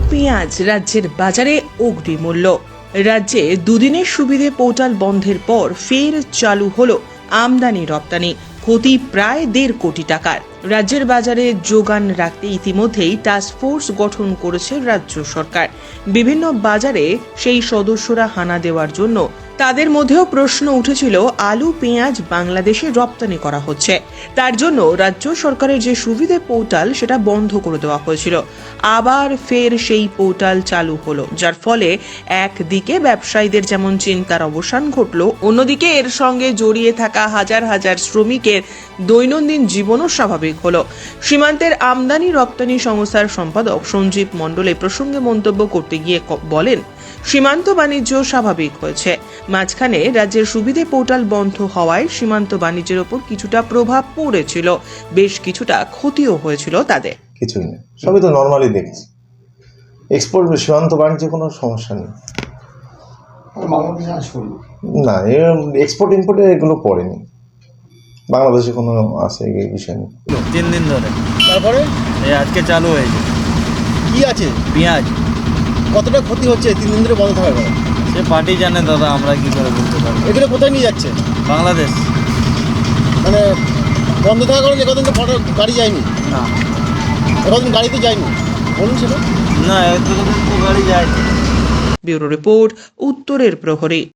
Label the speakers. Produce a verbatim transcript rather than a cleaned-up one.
Speaker 1: পেঁয়াজ রাজ্যের বাজারে অগ্নিমূল্য। রাজ্যে দুদিনের সুবিধে পোর্টাল বন্ধের পর ফের চালু হলো আমদানি রপ্তানি, ক্ষতি প্রায় দেড় কোটি টাকার। রাজ্যের বাজারে যোগান রাখতে ইতিমধ্যেই টাস্কফোর্স গঠন করেছে রাজ্য সরকার। বিভিন্ন বাজারে সেই সদস্যরা হানা দেওয়ার জন্য তাদের মধ্যেও প্রশ্ন উঠেছিল, আলু পেঁয়াজ বাংলাদেশে রপ্তানি করা হচ্ছে, তার জন্য রাজ্য সরকারের যে সুবিধে পোর্টাল সেটা বন্ধ করে দেওয়া হয়েছিল। আবার ফের সেই পোর্টাল চালু হলো, যার ফলে একদিকে ব্যবসায়ীদের যেমন চিন্তার অবসান ঘটলো, অন্যদিকে এর সঙ্গে জড়িয়ে থাকা হাজার হাজার শ্রমিকের দৈনন্দিন জীবনও স্বাভাবিক হলো। সীমান্তের আমদানি রপ্তানি সংস্থার সম্পাদক সঞ্জীব মণ্ডল এ প্রসঙ্গে মন্তব্য করতে গিয়ে বলেন, সীমান্ত বাণিজ্য স্বাভাবিক হয়েছে। মাঝখানে রাজ্যের সুবিধে পোর্টাল বন্ধ হওয়ায় সীমান্ত বাণিজ্যের ওপর কিছুটা প্রভাব পড়েছিল, বেশ কিছুটা ক্ষতিও হয়েছিল তাদের।
Speaker 2: কিছুই নেই, সবই তো নর্মালি দেখছি। এক্সপোর্ট সীমান্ত বাণিজ্যে কোনো সমস্যা নেই। না, এক্সপোর্ট ইম্পোর্টে এগুলো পড়েনি, বাংলাদেশে কোনো আছে এই বিষয় নেই।
Speaker 3: তিন দিন ধরে,
Speaker 4: তারপরে
Speaker 3: এই আজকে চালু হয়েছে।
Speaker 4: কি আছে?
Speaker 3: পেঁয়াজ
Speaker 4: কতটা ক্ষতি হচ্ছে তিন দিন ধরে বন্ধ থাকার পরে?
Speaker 3: সে পার্টি জানে দাদা, আমরা কি করে বলতে পারবো।
Speaker 4: এগুলো কোথায় নিয়ে যাচ্ছে?
Speaker 3: বাংলাদেশ।
Speaker 4: মানে বন্ধ থাকার কারণে কদিন তো ফটো গাড়ি যায়নি,
Speaker 3: না
Speaker 4: কদিন গাড়িতে যায়নি বলুন সেটা।
Speaker 3: না, এত তো গাড়ি যায়।
Speaker 1: ব্যুরো রিপোর্ট, উত্তরের প্রহরী।